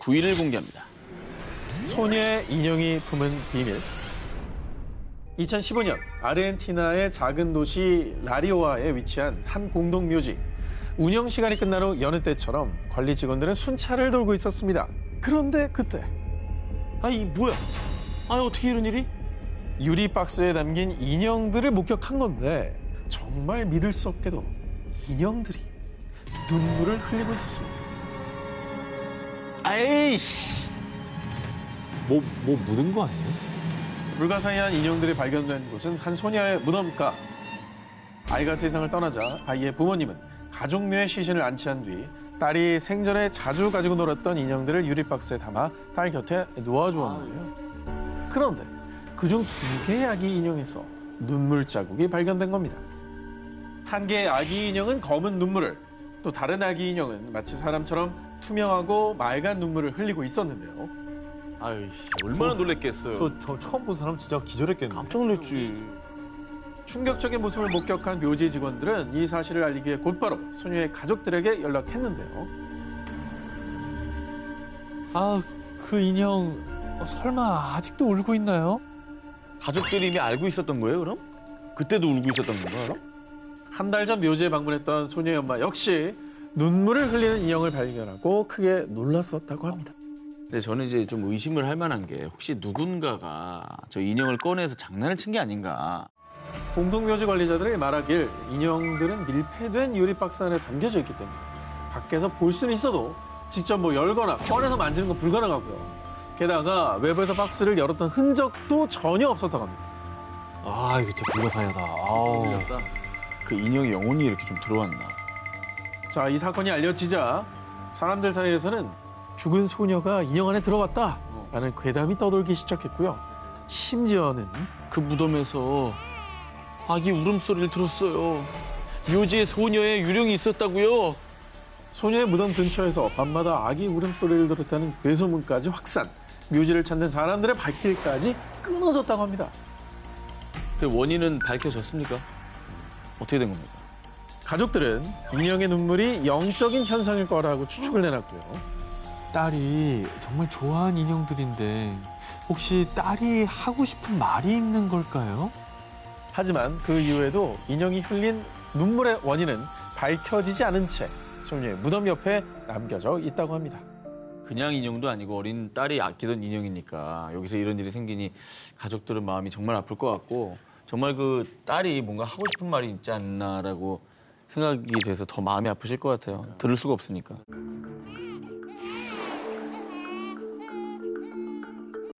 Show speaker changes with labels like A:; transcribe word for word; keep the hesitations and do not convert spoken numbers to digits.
A: 부인을 공개합니다.
B: 소녀의 인형이 품은 비밀. 이천십오 년 아르헨티나의 작은 도시 라리오아에 위치한 한 공동묘지. 운영 시간이 끝난 후 여느 때처럼 관리 직원들은 순찰을 돌고 있었습니다. 그런데 그때
A: 아이 뭐야? 아 어떻게 이런 일이?
B: 유리 박스에 담긴 인형들을 목격한 건데 정말 믿을 수 없게도 인형들이 눈물을 흘리고 있었습니다.
A: 아이씨.
C: 뭐, 뭐 묻은 거 아니에요?
B: 불가사의한 인형들이 발견된 곳은 한 소녀의 무덤가. 아이가 세상을 떠나자 아이의 부모님은 가족묘에 시신을 안치한 뒤 딸이 생전에 자주 가지고 놀았던 인형들을 유리박스에 담아 딸 곁에 놓아주었는데요. 그런데 그중 두 개의 아기 인형에서 눈물 자국이 발견된 겁니다. 한 개의 아기 인형은 검은 눈물을, 또 다른 아기 인형은 마치 사람처럼 투명하고 맑은 눈물을 흘리고 있었는데요.
A: 아이씨 얼마나 놀랬겠어요.
C: 저, 저 처음 본 사람 진짜 기절했겠네.
A: 깜짝 놀랐지.
B: 충격적인 모습을 목격한 묘지 직원들은 이 사실을 알리기 위해 곧바로 소녀의 가족들에게 연락했는데요.
C: 아, 그 인형 어, 설마 아직도 울고 있나요?
A: 가족들이 이미 알고 있었던 거예요 그럼? 그때도 울고 있었던 건가 그럼?
B: 한 달 전 묘지에 방문했던 소녀의 엄마 역시 눈물을 흘리는 인형을 발견하고 크게 놀랐었다고 합니다.
A: 근데 저는 이제 좀 의심을 할 만한 게 혹시 누군가가 저 인형을 꺼내서 장난을 친 게 아닌가.
B: 공동묘지 관리자들이 말하길 인형들은 밀폐된 유리박스 안에 담겨져 있기 때문에 밖에서 볼 수는 있어도 직접 뭐 열거나 꺼내서 만지는 건 불가능하고요. 게다가 외부에서 박스를 열었던 흔적도 전혀 없었다고 합니다.
C: 아, 이거 진짜 불가사의하다. 아우.
A: 그 인형이 영혼이 이렇게 좀 들어왔나.
B: 자, 이 사건이 알려지자 사람들 사이에서는 죽은 소녀가 인형 안에 들어갔다라는 괴담이 떠돌기 시작했고요. 심지어는
A: 그 무덤에서 아기 울음소리를 들었어요. 묘지에 소녀의 유령이 있었다고요.
B: 소녀의 무덤 근처에서 밤마다 아기 울음소리를 들었다는 괴소문까지 확산. 묘지를 찾는 사람들의 발길까지 끊어졌다고 합니다.
A: 그 원인은 밝혀졌습니까? 어떻게 된 겁니까?
B: 가족들은 인형의 눈물이 영적인 현상일 거라고 추측을 내놨고요.
C: 딸이 정말 좋아하는 인형들인데 혹시 딸이 하고 싶은 말이 있는 걸까요?
B: 하지만 그 이후에도 인형이 흘린 눈물의 원인은 밝혀지지 않은 채 소녀의 무덤 옆에 남겨져 있다고 합니다.
A: 그냥 인형도 아니고 어린 딸이 아끼던 인형이니까 여기서 이런 일이 생기니 가족들은 마음이 정말 아플 것 같고 정말 그 딸이 뭔가 하고 싶은 말이 있지 않나라고 생각이 돼서 더 마음이 아프실 것 같아요. 들을 수가 없으니까.